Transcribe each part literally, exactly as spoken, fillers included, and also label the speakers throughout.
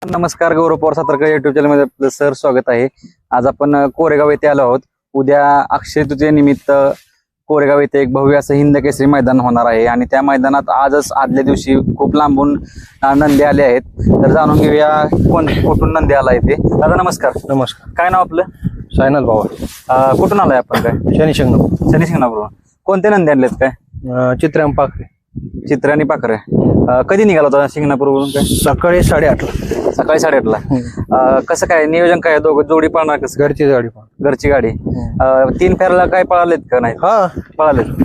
Speaker 1: नमस्कार, Gaurav Pawar Satarkar YouTube channel मध्ये आपलं सर स्वागत आहे. आज आपण अ, कोरेगाव येथे आलो आहोत. उद्या अक्षय तृतीयेनिमित्त कोरेगाव येथे एक भव्य असं हिंद केसरी मैदान होणार आहे आणि त्या मैदानात आजच आदल्या दिवशी खूप लांबून अ, नंदी आले आहेत. तर जाणून घेऊया कोण कुठून नंदी आला ते. दादा नमस्कार.
Speaker 2: नमस्कार.
Speaker 1: काय नाव आपलं?
Speaker 2: सायनाथ बाबा.
Speaker 1: अ, कुठून आलाय आपण? काय
Speaker 2: शनी शिंगणापूर.
Speaker 1: शनी शिंगणापूर. कोणते नंदी आणलेत? काय
Speaker 2: चित्राम पाखरे.
Speaker 1: चित्र आणि पाखरे. अ, कधी निघाला होता शिंगणापूरवरून? काय
Speaker 2: सकाळी साडेआठला.
Speaker 1: सकाळी साडेआठला. अ, कसं काय नियोजन काय दोघं जोडी पळणार? कसं
Speaker 2: घरची गाडी पण.
Speaker 1: घरची गाडी. अ, तीन फेऱ्याला काय पळालेत का नाही?
Speaker 2: हा
Speaker 1: पळालेत.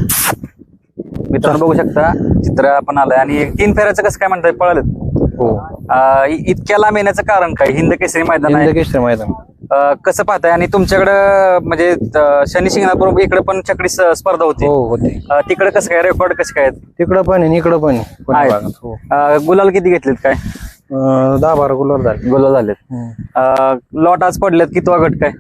Speaker 1: मित्रांनो बघू शकता चित्र आपण आलंय आणि तीन फेऱ्याचं कसं काय म्हणताय पळालेत?
Speaker 2: हो.
Speaker 1: अ, इ- इतक्या लांब येण्याचं कारण काय? हिंद केसरी मैदान आहे.
Speaker 2: हिंद केसरी मैदान.
Speaker 1: अ, कसं पाहताय? आणि तुमच्याकडं म्हणजे अ, शनी शिंगणापूर इकडे पण चकडी स- स्पर्धा होती.
Speaker 2: हो होते.
Speaker 1: अ, तिकडे कसं काय रेकॉर्ड कसे काय आहेत?
Speaker 2: तिकडं पण आहे इकडं पण आहे. कोण्या
Speaker 1: आहेत.
Speaker 2: भागात. हो.
Speaker 1: अ, गुलाल किती घेतलेत? काय
Speaker 2: अं, दहा बारा गुलाब झाले.
Speaker 1: गुलाल झालेत? अ, लॉट आज पडलेत कितवा गट काय?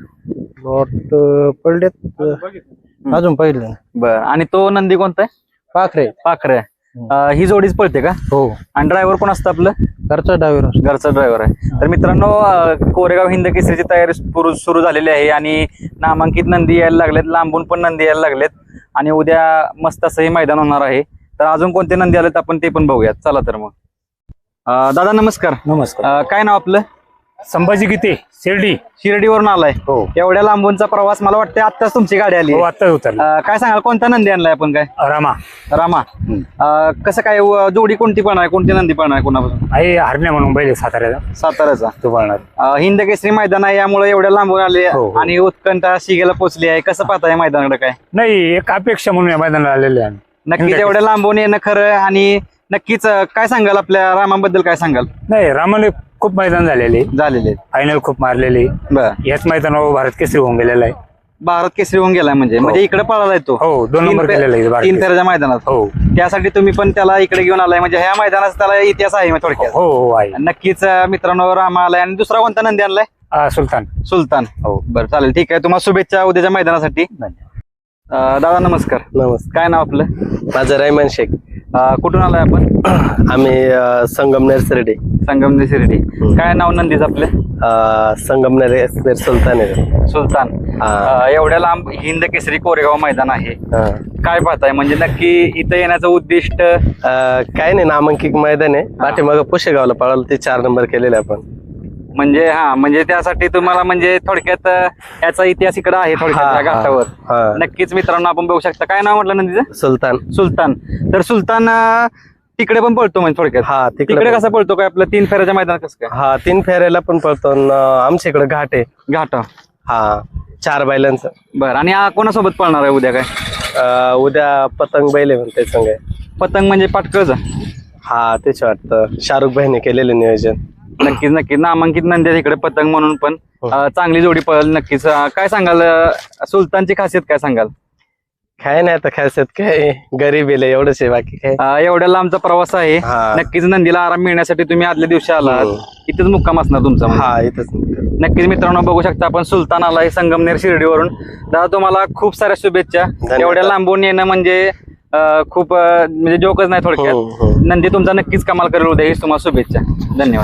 Speaker 2: लॉट पडलेत अं, अजून पहिले नाही.
Speaker 1: बर. आणि तो नंदी कोणता आहे?
Speaker 2: पाखरे.
Speaker 1: पाखरे. अ, ही जोडीच पळते का?
Speaker 2: हो.
Speaker 1: आणि ड्रायव्हर कोण असतं आपलं?
Speaker 2: घरचा ड्रायव्हर.
Speaker 1: घरचा ड्रायव्हर आहे. तर मित्रांनो अ, कोरेगाव हिंद केसरीची तयारी सुरू सुरू झालेली आहे आणि नामांकित नंदी यायला लागलेत, लांबून पण नंदी यायला लागलेत आणि उद्या मस्त असं हे मैदान होणार आहे. तर अजून कोणते नंदी आलेत आपण ते पण बघूयात. चला तर मग. अ, दादा नमस्कार.
Speaker 2: नमस्कार.
Speaker 1: अ, काय नाव आपलं?
Speaker 3: संभाजी गीते, शिर्डी.
Speaker 1: शिर्डीवरून आलाय?
Speaker 3: हो.
Speaker 1: एवढ्या लांबूनचा प्रवास, मला वाटतं आत्ताच तुमची गाडी आली.
Speaker 3: हो, आता उतरला.
Speaker 1: अ, काय सांगाल कोणता नंदी आणलाय आपण? काय
Speaker 3: रामा
Speaker 1: रामा. अ, कसं काय व- जोडी कोणती पण आहे? कोणती नंदी पण आहे कोणापासून?
Speaker 3: आई हरण्या म्हणून बैल साताऱ्याचा
Speaker 1: साताऱ्याचा.
Speaker 3: तो पळणार.
Speaker 1: अ, हिंद केसरी मैदान आहे यामुळे एवढ्या लांबून आले
Speaker 3: हो, हो.
Speaker 1: आणि उत्कंठा शिगेला पोहोचली आहे. कसं पाहताय मैदानाकडे? काय
Speaker 3: नाही, एक अपेक्षा म्हणून या मैदानाला आलेले आहे.
Speaker 1: नक्कीच एवढ्या लांबून येणं खरं. आणि नक्कीच अ, काय सांगाल आपल्या रामाबद्दल? काय सांगाल?
Speaker 3: नाही, रामाने खूप मैदान झालेले,
Speaker 1: झालेले.
Speaker 3: फायनल खूप मारलेले.
Speaker 1: बर.
Speaker 3: याच मैदानावर भारत केसरी होऊन गेलेला आहे.
Speaker 1: भारत केसरी होऊन गेलाय म्हणजे म्हणजे इकडे पळालाय तो.
Speaker 3: हो, दोन
Speaker 1: तीन
Speaker 3: नंबर
Speaker 1: फे-
Speaker 3: केलेला आहे भारत
Speaker 1: तीन
Speaker 3: केसरी.
Speaker 1: फेऱ्याच्या मैदानात.
Speaker 3: हो
Speaker 1: त्यासाठी तुम्ही पण त्याला इकडे घेऊन आलाय म्हणजे ह्या मैदानाचा त्याला इतिहास आहे थोडक्यात.
Speaker 3: हो हो आहे.
Speaker 1: नक्कीच अ, मित्रांनो रामा आलाय. आणि दुसरा कोणता नंदी आणलाय?
Speaker 3: आ, सुलतान.
Speaker 1: सुलतान.
Speaker 3: हो.
Speaker 1: बरं चालेल, ठीक आहे. तुम्हाला शुभेच्छा उद्याच्या मैदानासाठी. अ, दादा नमस्कार.
Speaker 4: नमस्कार.
Speaker 1: काय नाव आपलं?
Speaker 4: माझं रायमान शेख.
Speaker 1: अ, कुठून आलाय आपण?
Speaker 4: आम्ही अ, संगमनेर शिर्डी.
Speaker 1: संगमनेर शिर्डी. काय नाव नंदीच आपलं?
Speaker 4: अ, संगमनेर एसनेर सुलतान आहे.
Speaker 1: सुलतान.
Speaker 4: हा.
Speaker 1: अ, एवढ्या लांब हिंद केसरी कोरेगाव मैदान आहे.
Speaker 4: हा.
Speaker 1: काय पाहताय म्हणजे नक्की इथं येण्याचं उद्दिष्ट?
Speaker 4: अ, काय नाही, नामांकित मैदान आहे. पाठीमागं पुशेगावला पळालो, ते चार नंबर केलेले आपण.
Speaker 1: म्हणजे हा म्हणजे त्यासाठी तुम्हाला म्हणजे थोडक्यात अ, याचा इतिहास इकडे आहे थोडक्यात
Speaker 4: हा,
Speaker 1: या
Speaker 4: हा,
Speaker 1: घाटावर.
Speaker 4: हा.
Speaker 1: नक्कीच मित्रांनो आपण बघू शकता. काय नाव म्हटलं नंदीचं?
Speaker 4: सुलतान.
Speaker 1: सुलतान. तर सुलतान अ, तिकडे पण पळतो म्हणजे थोडक्यात?
Speaker 4: हा,
Speaker 1: तिकडे
Speaker 4: तिकडे
Speaker 1: कसा पळतो? काय आपलं तीन फेऱ्याच्या मैदानात कसं काय?
Speaker 4: हा, तीन फेऱ्याला पण पळतो. न, आमच्या इकडे घाट आहे.
Speaker 1: घाट.
Speaker 4: हा, चार बैलांचं.
Speaker 1: बरं. आणि हा कोणासोबत पळणार आहे उद्या? काय
Speaker 4: अ, उद्या पतंग बैल आहे म्हणते संग.
Speaker 1: पतंग म्हणजे पाटकळचा?
Speaker 4: हा, तेच वाटतं शाहरुख भाईने केलेलं नियोजन.
Speaker 1: नक्कीच नक्कीच नामांकित नंदी इकडे पतंग म्हणून पण अ, चांगली जोडी पळेल नक्कीच. अ, काय सांगाल अ, सुलतानची खासियत काय सांगाल?
Speaker 4: काय नाही आता खासियत काय, गरीब आहे एवढंच आहे, बाकी काय.
Speaker 1: अ, एवढ्या लांबचा प्रवास आहे.
Speaker 4: हा.
Speaker 1: नक्कीच नंदीला आराम मिळण्यासाठी तुम्ही आदल्या दिवशी आलात.
Speaker 4: हो.
Speaker 1: इथेच मुक्काम असणार तुमचा म्हणजे.
Speaker 4: हा, इथंच.
Speaker 1: नक्कीच मित्रांनो बघू शकता आपण सुलतान आलाय संगमनेर शिर्डीवरून. दादा तुम्हाला खूप साऱ्या शुभेच्छा.
Speaker 4: धन्यवाद.
Speaker 1: एवढ्या लांबून येणं म्हणजे अ, खूप अ, म्हणजे जोकच नाही
Speaker 4: हो,
Speaker 1: थोडक्यात.
Speaker 4: हो.
Speaker 1: नंदी तुमचा नक्कीच कमाल करेल उद्या, हीच तुम्हाला शुभेच्छा. धन्यवाद.